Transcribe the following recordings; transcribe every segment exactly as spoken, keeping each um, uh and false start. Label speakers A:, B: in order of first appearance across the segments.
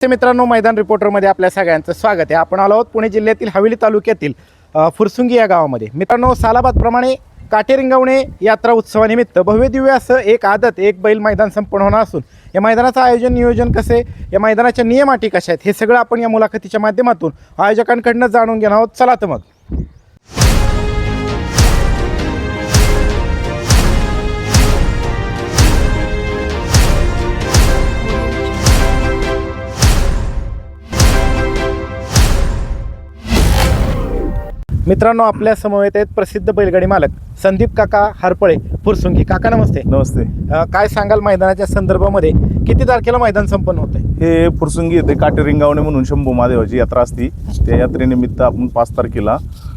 A: मित्रांनो, मैदान रिपोर्टरमध्ये आपल्या सगळ्यांचं स्वागत आहे. आपण आलो आहोत पुणे जिल्ह्यातील हवेली तालुक्यातील अ, फुरसुंगी या गावामध्ये. मित्रांनो, सालाबादप्रमाणे काटेरिंगवणे यात्रा उत्सवानिमित्त भव्य दिव्य असं एक आदत एक बैल मैदान संपन्न होणार असून या मैदानाचं आयोजन नियोजन कसे, या मैदानाच्या नियम अटी कशा आहेत, हे सगळं आपण या मुलाखतीच्या माध्यमातून आयोजकांकडनं जाणून घेणार आहोत. चला तर मग. मित्रांनो, आपल्या समवेत आहेत प्रसिद्ध बैलगाडी मालक संदीप काका हरपळे फुरसुंगी. काका नमस्ते.
B: नमस्ते.
A: अ, काय सांगाल मैदानाच्या संदर्भामध्ये, किती तारखेला मैदान संपन्न होत आहे?
B: हे फुरसुंगी येथे काटेरिंगावणे म्हणून शंभू महादेवाची यात्रा असती. त्या यात्रेनिमित्त आपण पाच तारखेला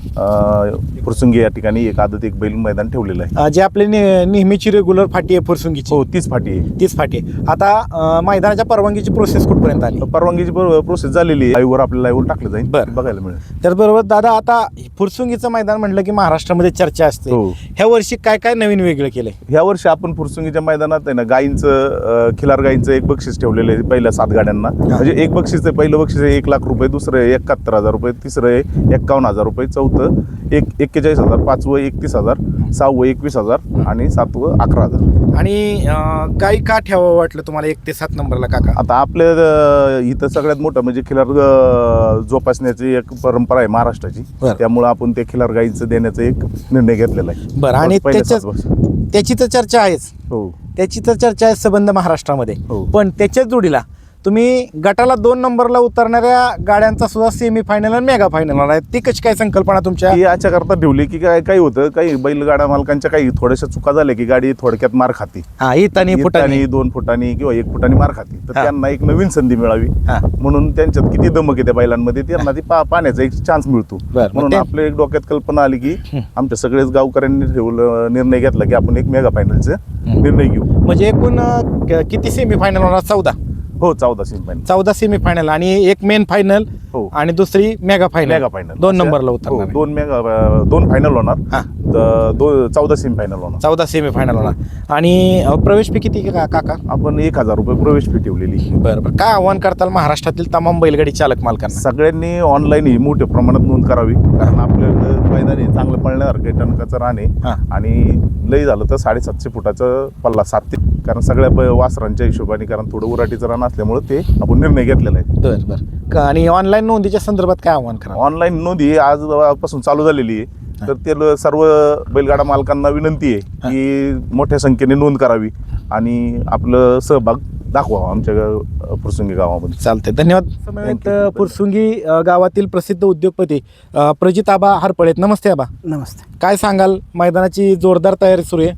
B: अ, फुरसुंगी या ठिकाणी एक आदत एक बैल मैदान ठेवलेलं आहे.
A: अ, जे आपली ने- नेहमीची रेग्युलर फाटी आहे फुरसुंगीची,
B: हो, तीच फाटी आहे.
A: तीच फाटी आहे. आता अ, मैदानाच्या परवानगीची प्रोसेस कुठपर्यंत आली?
B: परवानगीची प्रोसेस झालेली आहे. लाईव्हवर आपल्या लाईव्हवर टाकलं जाईल,
A: बरं.
B: बघायला मिळेल.
A: त्याचबरोबर दादा, आता फुरसुंगीचं मैदान म्हटलं की महाराष्ट्रामध्ये चर्चा असते.
B: हो.
A: ह्या वर्षी काय काय नवीन वेगळं केलंय?
B: ह्या वर्षी आपण फुरसुंगीच्या मैदानात आहे ना, गायींचं अ, खिलार गायींचं एक बक्षीस ठेवलेलं आहे पहिल्या सात गाड्यांना. म्हणजे एक बक्षीस आहे, पहिलं बक्षीस आहे एक लाख रुपये, दुसरं आहे एकाहत्तर हजार रुपये, तिसरं आहे एक्कावन्न हजार रुपये, चौथं एक एक्केचाळीस हजार, पाचवं एकतीस हजार, सहावं एकवीस हजार आणि सातवं अकरा हजार.
A: आणि अ, गाई का ठेवावं वाटलं तुम्हाला एक ते सात नंबरला काका?
B: आता आपल्या अ, इथं सगळ्यात मोठं म्हणजे खिलार अ, जोपासण्याची एक परंपरा आहे महाराष्ट्राची.
A: बरं.
B: त्यामुळे आपण ते खिलार गाईचं देण्याचा एक निर्णय घेतलेला आहे.
A: बरं. आणि
B: पहिल्या
A: त्याच्या
B: सात वर्ष.
A: त्याची तर चर्चा आहेच,
B: हो
A: त्याची तर चर्चा आहे संबंध महाराष्ट्रामध्ये.
B: हो.
A: पण त्याच्याच जोडीला तुम्ही गटाला दोन नंबरला उतरणाऱ्या गाड्यांचा सुद्धा सेमी फायनल आणि मेगा फायनल आहे. ती कशी काय संकल्पना तुमच्या?
B: ही याच्या करता ठेवली की काय काय होतं, काही बैलगाडा मालकांच्या काही थोड्याशा चुका झाल्या की गाडी थोडक्यात मार खाती,
A: हा, इतानी फुटानी.
B: फुटानी दोन फुटानी किंवा एक फुटानी मार खाती. तर
A: हा.
B: त्यांना एक नवीन संधी मिळावी
A: हा.
B: म्हणून त्यांच्यात किती दमक आहे त्या बैलांमध्ये, त्यांना ती पा पाण्याचा एक चान्स मिळतो.
A: बरं. मग
B: म्हणून
A: ते-
B: आपल्या एक डोक्यात कल्पना आली की आमच्या सगळेच गावकऱ्यांनी ठेवलं निर्णय घेतला की आपण एक मेगा फायनलचा निर्णय घेऊ.
A: म्हणजे एकूण अ, क- किती सेमी फायनल होणार? चौदा.
B: हो, चौदा सेमी फायनल.
A: चौदा सेमी फायनल आणि एक मेन फायनल
B: हो.
A: आणि दुसरी मेगा फायनल.
B: मेगा फायनल
A: दोन नंबरला
B: हो,
A: उतरणार आहे.
B: दोन मेगा दोन फायनल होणार.
A: हा.
B: तर दो चौदा सेमी फायनल होणार.
A: चौदा सेमी फायनल होणार. आणि अ, प्रवेश फी किती का काका?
B: आपण एक हजार रुपये प्रवेश फी ठेवलेली.
A: बरं बरं. काय आव्हान करताल महाराष्ट्रातील तमाम बैलगाडी चालक मालकांना?
B: सगळ्यांनी ऑनलाईन ही मोठ्या प्रमाणात नोंद करावी, कारण आपल्याकडे मैदानी चांगलं पळण्यासारखं टणकाचं राहणे
A: हा.
B: आणि लई झालं तर साडेसातशे फुटाचं पल्ला सात ते, कारण सगळ्या ब- वासरांच्या हिशोबाने, कारण थोडं उराटीचं रान असल्यामुळे ते आपण निर्णय घेतलेला आहे.
A: बरं बरं. का- आणि ऑनलाईन नोंदीच्या संदर्भात काय आव्हान करा?
B: ऑनलाईन नोंदी आजपासून चालू झालेली आहे. तर ते सर्व बैलगाडा मालकांना विनंती आहे की मोठ्या संख्येने नोंद करावी आणि आपलं सहभाग दाखवावा आमच्या गा- फुरसुंगी गावामध्ये.
A: चालतंय, धन्यवाद.
B: Thank you.
A: फुरसुंगी अ, गावातील प्रसिद्ध उद्योगपती अ, प्रजित आबा हरपळे. नमस्ते आबा.
C: नमस्ते.
A: काय सांगाल, मैदानाची जोरदार तयारी सुरू आहे?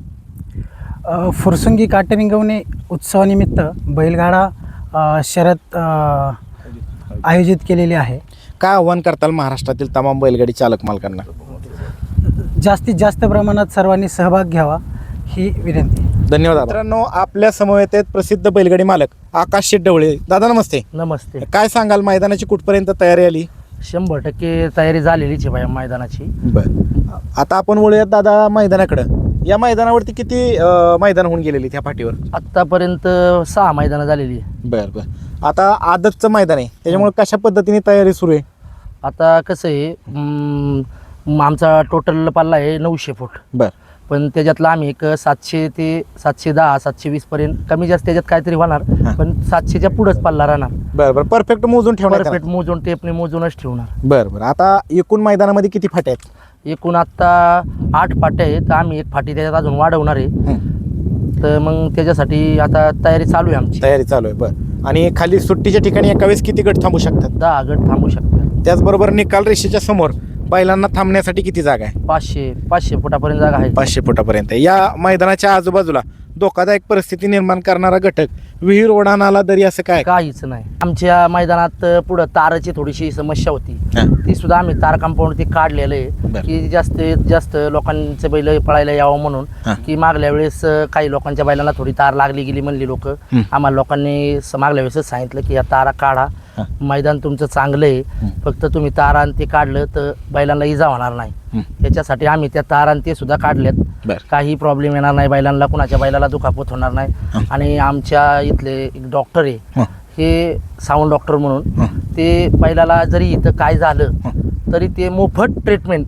C: अ, फुरसुंगी काटेरिंगवणे उत्सवानिमित्त बैलगाडा अ, शर्यत अ, आयोजित केलेली आहे.
A: काय आव्हान करताल महाराष्ट्रातील तमाम बैलगाडी चालक मालकांना?
C: जास्तीत जास्त प्रमाणात सर्वांनी सहभाग घ्यावा ही विनंती.
A: धन्यवाद. मित्रांनो, आपल्या समवेत आहेत प्रसिद्ध बैलगाडी मालक आकाश शेट्टवळे. दादा नमस्ते.
D: नमस्ते.
A: काय सांगाल, मैदानाची कुठपर्यंत तयारी आली?
D: शंभर टक्के तयारी झालेलीच आहे बाया मैदानाची.
A: बर. आता आपण वळूयात दादा मैदानाकडं. या मैदानावरती किती अ, मैदान होऊन गेलेली त्या पाठीवर?
D: आत्तापर्यंत सहा मैदानं झालेली आहे.
A: बर बर. आता आदतचं मैदान आहे, त्याच्यामुळे कशा पद्धतीने तयारी सुरू आहे?
D: आता कसं आहे, अं, आमचा टोटल पल्ला आहे नऊशे फूट,
A: बर.
D: पण त्याच्यातला आम्ही एक सातशे ते सातशे दहा सातशे वीस पर्यंत कमी जास्त त्याच्यात काहीतरी होणार,
A: हा.
D: पण सातशेच्या पुढंच पल्ला राहणार.
A: बर बर. परफेक्ट मोजून ठेवणार.
D: परफेक्ट मोजून टेपने मोजूनच ठेवणार.
A: बर बर. आता एकूण मैदानामध्ये किती फाट्या आहेत?
D: एकूण आत्ता आठ फाट्या आहेत. आम्ही एक फाटी त्याच्यात अजून वाढवणार आहे. तर मग त्याच्यासाठी आता तयारी चालू आहे आमची.
A: तयारी चालू आहे. बर. आणि खाली सुट्टीच्या ठिकाणी एका वेळेस किती गट थांबू शकतात?
D: दहा गट थांबू शकतात.
A: त्याचबरोबर निकाल रेषेच्या समोर बैलांना थांबण्यासाठी किती जागा आहे?
D: पाचशे पाचशे फुटापर्यंत जागा आहे.
A: पाचशे फुटापर्यंत. या मैदानाच्या आजूबाजूला धोकादायक परिस्थिती निर्माण करणारा घटक, विहीर, ओढा, नाला, दरी असं काय?
D: काहीच नाही. आमच्या मैदानात पुढं ताराची थोडीशी समस्या होती,
A: हा.
D: ती सुद्धा आम्ही तार कंपाऊंड ते काढलेलं
A: बरं.
D: आहे की जास्तीत जास्त लोकांचे बैल पळायला यावं म्हणून.
A: हा.
D: की मागल्या वेळेस काही लोकांच्या बैलांना थोडी तार लागली गेली म्हणली लोक.
A: हं.
D: आम्हाला लोकांनी स- मागल्या वेळेसच सांगितलं की या तारा काढा,
A: हा.
D: मैदान तुमचं चांगलं आहे, फक्त तुम्ही तारा आणि ते काढलं तर बैलांना इजा होणार नाही.
A: हं.
D: त्याच्यासाठी आम्ही त्या तार आणि ते सुद्धा काढलेत.
A: बरं.
D: काही प्रॉब्लेम येणार नाही बैलांना, कुणाच्या बैलाला दुखापत होणार नाही. आणि आमच्या इथले एक डॉक्टर आहे,
A: हं.
D: हे साऊंड डॉक्टर म्हणून ते बैलाला जरी इथं काय झालं तरी ते मोफत ट्रीटमेंट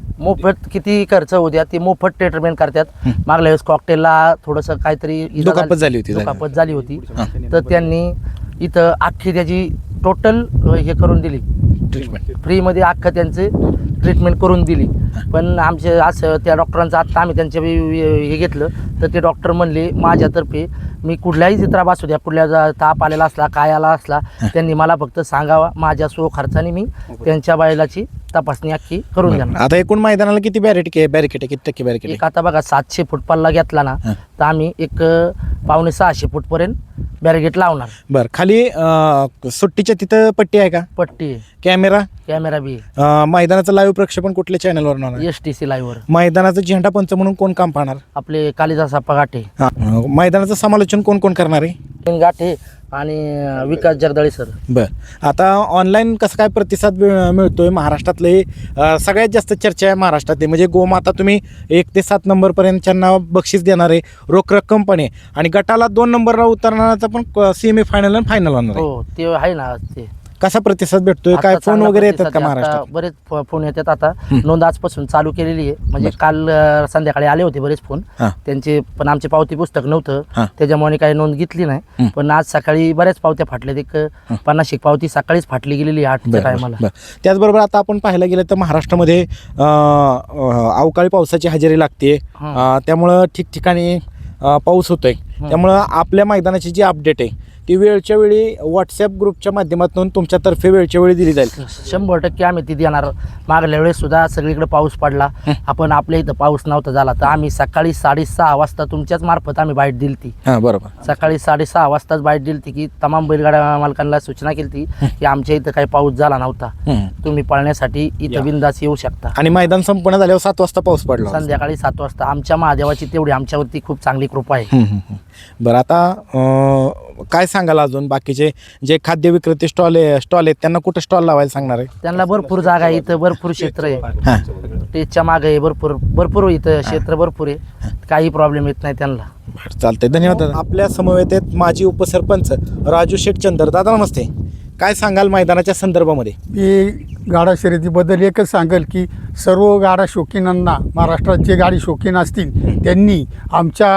D: मोफत किती खर्च होऊ द्या ते मोफत ट्रीटमेंट करतात. मागल्या वेळेस कॉकटेलला थोडंसं काहीतरी इजा
A: दुखापत झाली होती.
D: दुखापत झाली होती तर त्यांनी इथं अख्खी त्याची टोटल हे करून दिली
A: ट्रीटमेंट.
D: फ्रीमध्ये अख्खं त्यांचे ट्रीटमेंट करून दिली. पण आमचे असं त्या डॉक्टरांचं आत्ता आम्ही त्यांच्या हे घेतलं तर ते डॉक्टर म्हणले माझ्यातर्फे मी कुठल्याही चित्रा असू द्या कुठल्या जा- ताप आलेला असला काय आला असला त्यांनी मला फक्त सांगावा माझ्या सो खर्चाने मी त्यांच्या बैलाची तपासणी अख्खी करून देणार.
A: आता एकूण मैदानाला किती बॅरिकेड बॅरिकेड आहे, किती टक्के बॅरिकेड
D: एक आता बघा सातशे फूट पल्ला घेतला ना तर आम्ही एक अं, पावणे सहाशे फूट पर्यंत बॅरिगेट लावणार.
A: बरं, खाली अं, सुट्टीच्या तिथं पट्टी आहे का,
D: पट्टी
A: कॅमेरा,
D: कॅमेरा बी
A: अं, मैदानाचं लाईव्ह प्रक्षेपण कुठल्या चॅनलवर होणार?
D: एस टी सी लाईव्हवर
A: मैदानाचं झेंडा पंच म्हणून कोण काम पाहणार?
D: आपले कालिदास आप्पा गाठे
A: हा. अं, मैदानाचं समालोचन कोण कोण करणार आहे?
D: गाठे आणि अं, विकास जगदाळे सर.
A: बरं, आता ऑनलाईन कसं काय प्रतिसाद मिळ- मिळतोय महाराष्ट्रातले? अं, सगळ्यात जास्त चर्चा आहे महाराष्ट्रातली म्हणजे गोमाता तुम्ही एक ते सात नंबरपर्यंतच्यांना बक्षीस देणार आहे, रोख रक्कम पण आहे आणि गटाला दोन नंबरला उतरणाराचा पण सेमी फायनल आणि फायनल होणार आहे.
D: हो ते आहे ना ते
A: कसा प्रतिसाद भेटतोय? काय
D: आता
A: फोन
D: चांगला
A: वगैरे येतात का
D: प्रतिसाद आहे.
A: महाराष्ट्रात?
D: आता बरेच फ- फोन येतात. आता नोंद आजपासून चालू केलेली आहे म्हणजे काल अं, संध्याकाळी आले होते बरेच फोन
A: हा.
D: त्यांचे पण आमचे पावती पुस्तक
A: हा.
D: नव्हतं त्याच्यामुळे काही नोंद घेतली नाही.
A: हं.
D: पण आज सकाळी बऱ्याच पावत्या फाटल्यात. एक पन्नास एक पावती सकाळीच फाटली गेलेली आहे आठच्या
A: बरं,
D: टायमाला.
A: बरं. त्याचबरोबर आता आपण पाहायला गेलं तर महाराष्ट्रामध्ये अं, अं, अवकाळी पावसाची हजेरी लागते,
D: हां.
A: अं, त्यामुळं ठिकठिकाणी अं, पाऊस होतोय. त्यामुळं आपल्या मैदानाची जी अपडेट आहे ती वेळच्या वेळी व्हॉट्सॲप ग्रुपच्या माध्यमातून तुमच्यातर्फे वेळच्या वेळी दिली जाईल.
D: शंभर टक्के आम्ही ती देणार. मागल्या वेळेस सुद्धा सगळीकडे पाऊस पडला आपण आपल्या इथं पाऊस नव्हता झाला तर आम्ही सकाळी साडेसहा वाजता तुमच्याच मार्फत आम्ही बाईट दिली ती.
A: हां, बरोबर.
D: सकाळी साडेसहा वाजताच बाईट दिली ती की तमाम बैलगाड्या मालकांना सूचना केली ती की आमच्या इथं काही पाऊस झाला नव्हता,
A: हं.
D: तुम्ही पळण्यासाठी इथं बिंदास येऊ शकता.
A: आणि मैदान संपूर्ण झाल्यावर सात वाजता पाऊस पडला.
D: संध्याकाळी सात वाजता आमच्या महादेवाची तेवढी आमच्यावरती खूप चांगली कृपा आहे.
A: हं, हं, हं. बरं, आता अं, काय सांगाल अजून बाकीचे जे खाद्य विक्रेते स्टॉल आहे स्टॉल आहेत त्यांना कुठं स्टॉल लावायला सांगणार आहे?
D: त्यांना भरपूर जागा आहे इथं, भरपूर क्षेत्र आहे.
A: हां,
D: स्टेजच्या मागे आहे भरपूर भरपूर इथं क्षेत्र भरपूर आहे, काही प्रॉब्लेम येत नाही त्यांना.
A: बरं, चालतंय, धन्यवाद दादा. आपल्या समवेत आहेत माजी उपसरपंच राजू शेठ चंदर. दादा नमस्ते, काय सांगाल मैदानाच्या संदर्भामध्ये?
E: मी गाडा शर्यतीबद्दल एकच सांगेल की सर्व गाडा शौकीनांना महाराष्ट्रात जे गाडी शौकीन असतील त्यांनी आमच्या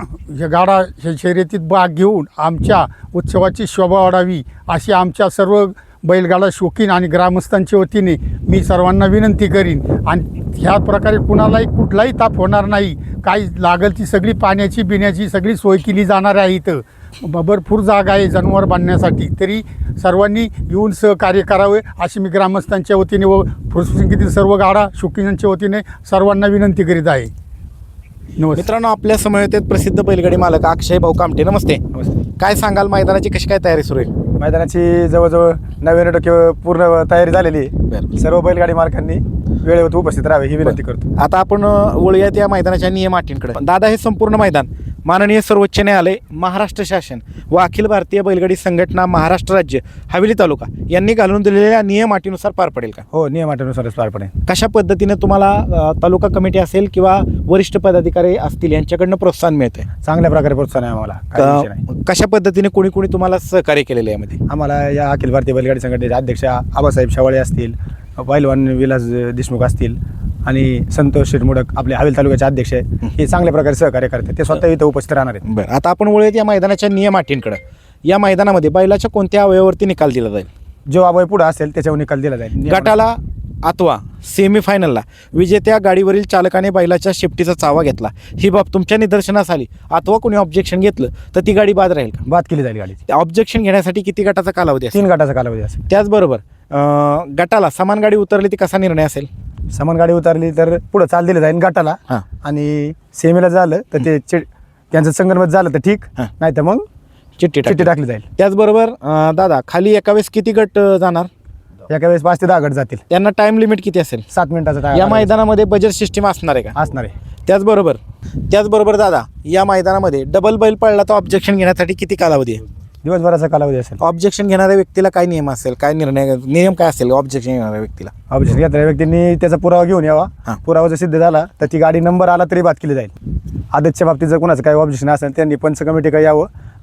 E: या गाडा श- शर्यतीत भाग घेऊन आमच्या उत्सवाची शोभा वाढावी अशी आमच्या सर्व बैलगाडा शौकीन आणि ग्रामस्थांच्या वतीने मी सर्वांना विनंती करीन. आणि ह्या प्रकारे कुणालाही कुठलाही ताप होणार नाही. काही लागेल ती सगळी पाण्याची पिण्याची सगळी सोय केली जाणार आहे. इथं ब- भरपूर जागा आहे जनावर बांधण्यासाठी, तरी सर्वांनी येऊन सहकार्य करावे अशी मी ग्रामस्थांच्या वतीने व फुरसुंगीतील सर्व गाडा शौकीनांच्या वतीने सर्वांना विनंती करीत आहे. नमस्ते.
A: मित्रांनो, आपल्या समवेत आहेत प्रसिद्ध बैलगाडी मालक अक्षय भाऊ कामटे. नमस्ते, काय सांगाल मैदानाची कशी काय तयारी सुरू आहे?
F: मैदानाची जवळजवळ नव्याण्णव टक्के पूर्ण तयारी झालेली आहे.
A: बरं.
F: सर्व बैलगाडी मालकांनी वेळेवर उपस्थित राहावे ही विनंती करतो.
A: आता आपण अ, वळूयात या मैदानाच्या नियम अटींकडे. दादा, हे संपूर्ण मैदान माननीय सर्वोच्च न्यायालय, महाराष्ट्र शासन व अखिल भारतीय बैलगाडी संघटना महाराष्ट्र राज्य हवेली तालुका यांनी घालून दिलेल्या नियम अटीनुसार पार पडेल का?
F: हो, नियमानुसारच पार पडेल.
A: कशा पद्धतीने तुम्हाला अ, तालुका कमिटी असेल किंवा वरिष्ठ पदाधिकारी असतील यांच्याकडनं प्रोत्साहन मिळतंय?
F: चांगल्या प्रकारे प्रोत्साहन आहे आम्हाला, काही विषय नाही.
A: क- कशा पद्धतीने कोणी कोणी तुम्हाला सहकार्य केलेलं आहे यामध्ये?
F: आम्हाला या अखिल भारतीय बैलगाडी संघटनेचे अध्यक्ष आबासाहेब शेवाळे असतील, पैलवान विलास देशमुख असतील आणि संतोष शिरमुडक आपले हवेली तालुक्याचे अध्यक्ष आहे, हे चांगल्या प्रकारे सहकार्य करतात. ते स्वतः इथं उपस्थित राहणार आहेत.
A: बरं, आता आपण वळूयात या मैदानाच्या नियम अटींकडे. या मैदानामध्ये बैलाच्या कोणत्या अवयवावरती निकाल दिला जाईल?
F: जो अभय पुढे असेल त्याच्यावर निकाल दिला जाईल.
A: गटाला अथवा सेमीफायनलला विजेत्या गाडीवरील चालकाने बैलाच्या शेपटीचा चावा घेतला, ही बाब तुमच्या निदर्शनास आली अथवा कोणी ऑब्जेक्शन घेतलं तर ती गाडी बाद राहील का?
F: बाद केली जाईल गाडीची.
A: ऑब्जेक्शन घेण्यासाठी किती गटाचा कालावधी असेल?
F: तीन गटाचा कालावधी असेल.
A: त्याचबरोबर अं, गटाला समान गाडी उतरली ती कसा निर्णय असेल?
F: समान गाडी उतरली तर पुढं चाल दिलं जाईल गटाला,
A: हां.
F: आणि सेमीला झालं तर ते चिड त्यांचं संगणमत झालं तर ठीक,
A: हां.
F: नाही तर मग
A: चिठ्ठी
F: चिठ्ठी
A: टाकली.
F: टाकली जाईल.
A: त्याचबरोबर अं, दादा, खाली एका वेळेस किती गट अं, जाणार?
F: एका वेळेस पाच ते दहा गट जातील.
A: त्यांना टाइम लिमिट किती असेल?
F: सात मिनिटाचा time
A: या
F: आहे.
A: मैदानामध्ये बजेट सिस्टीम असणार आहे का?
F: असणार आहे.
A: त्याचबरोबर त्याचबरोबर दादा, या मैदानामध्ये डबल बैल पडला तर ऑब्जेक्शन घेण्यासाठी किती कालावधी आहे?
F: दिवसभराचा कालावधी असेल.
A: ऑब्जेक्शन घेणाऱ्या व्यक्तीला काय नियम असेल, काय निर्णय नियम काय असेल ऑब्जेक्शन घेणाऱ्या व्यक्तीला?
F: ऑब्जेक्शन घेतलेल्या व्यक्तींनी त्याचा पुरावा घेऊन यावा.
A: हां.
F: पुरावा जर सिद्ध झाला तर ती गाडी नंबर आला तरी बाद केली जाईल. आदतच्या बाबतीत जर कोणाचं काही ऑब्जेक्शन असेल त्यांनी पंच कमिटीकडे यावं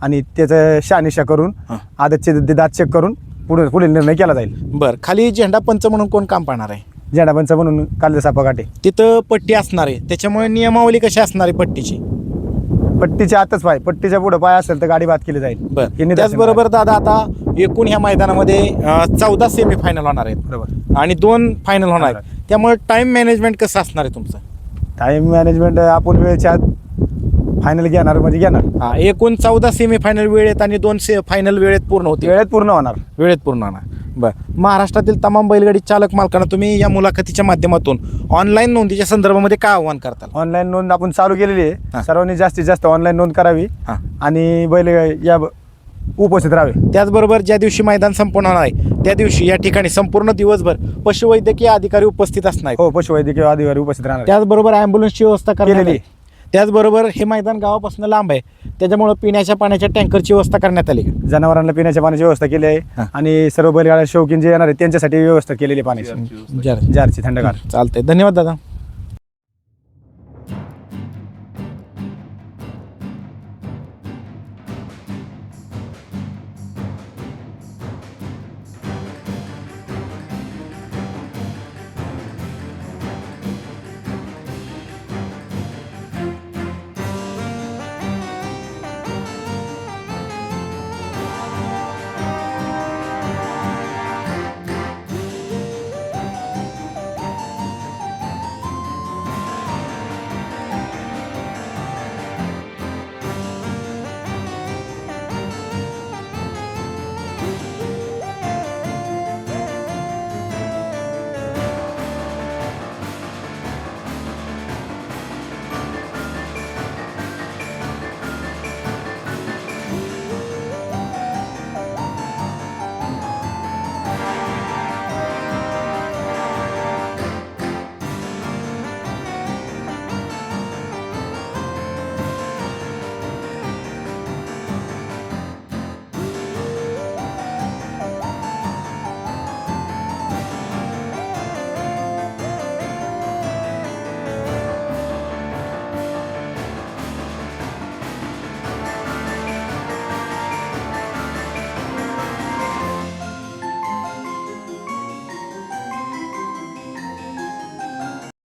F: आणि त्याचं शहानिशा करून
A: हां.
F: आदतचे द- दात चेक करून पुढे पुढील निर्णय केला जाईल.
A: बरं, खाली झेंडा पंच म्हणून कोण काम पाहणार आहे?
F: झेंडापंच म्हणून कालदा सापा काटे.
A: तिथं पट्टी असणार आहे, त्याच्यामुळे नियमावली कशी असणार आहे पट्टीची?
F: पट्टीच्या आतच पाय, पट्टीच्या पुढे पाय असेल तर गाडी बाद केली जाईल. हे
A: बरं,
F: निदर्शन
A: त्याचबरोबर दादा आता एकूण ह्या मैदानामध्ये चौदा सेमी फायनल होणार आहेत
F: बरोबर.
A: आणि दोन फायनल होणार आहेत, त्यामुळे टाइम मॅनेजमेंट कसं असणार आहे तुमचं?
F: टाईम मॅनेजमेंट आपण वेळेच्या आत फायनल घेणार म्हणजे घेणार,
A: हा, एकूण चौदा सेमी फायनल वेळेत आणि दोन से फायनल वेळेत पूर्ण होते,
F: वेळेत पूर्ण होणार.
A: वेळेत पूर्ण होणार. बरं, महाराष्ट्रातील तमाम बैलगाडी चालक मालकांना तुम्ही या मुलाखतीच्या माध्यमातून ऑनलाईन नोंदीच्या संदर्भामध्ये काय आव्हान करताल?
F: ऑनलाईन नोंद आपण चालू केलेली
A: हां.
F: आहे. सर्वांनी जास्तीत जास्त ऑनलाईन नोंद करावी
A: हां.
F: आणि बैल या ब- उपस्थित राहावे.
A: त्याचबरोबर ज्या दिवशी मैदान संपन्न होणार आहे त्या दिवशी या ठिकाणी संपूर्ण दिवसभर पशुवैद्यकीय अधिकारी उपस्थित असणार आहेत.
F: हो, पशुवैद्यकीय अधिकारी उपस्थित राहणार.
A: त्याचबरोबर ॲम्ब्युलन्सची व्यवस्था करण्यात
F: केलेली.
A: आली. त्याचबरोबर हे मैदान गावापासून लांब आहे, त्याच्यामुळं पिण्याच्या पाण्याच्या टँकरची व्यवस्था करण्यात आली.
F: जनावरांना पिण्याच्या पाण्याची व्यवस्था केली आहे
A: हां.
F: आणि सर्व बैलगाड्या शौकीन जे येणार आहेत त्यांच्यासाठी व्यवस्था केलेली आहे पाण्याची,
A: जर
F: जारची थंडगार.
A: चालतंय, धन्यवाद दादा.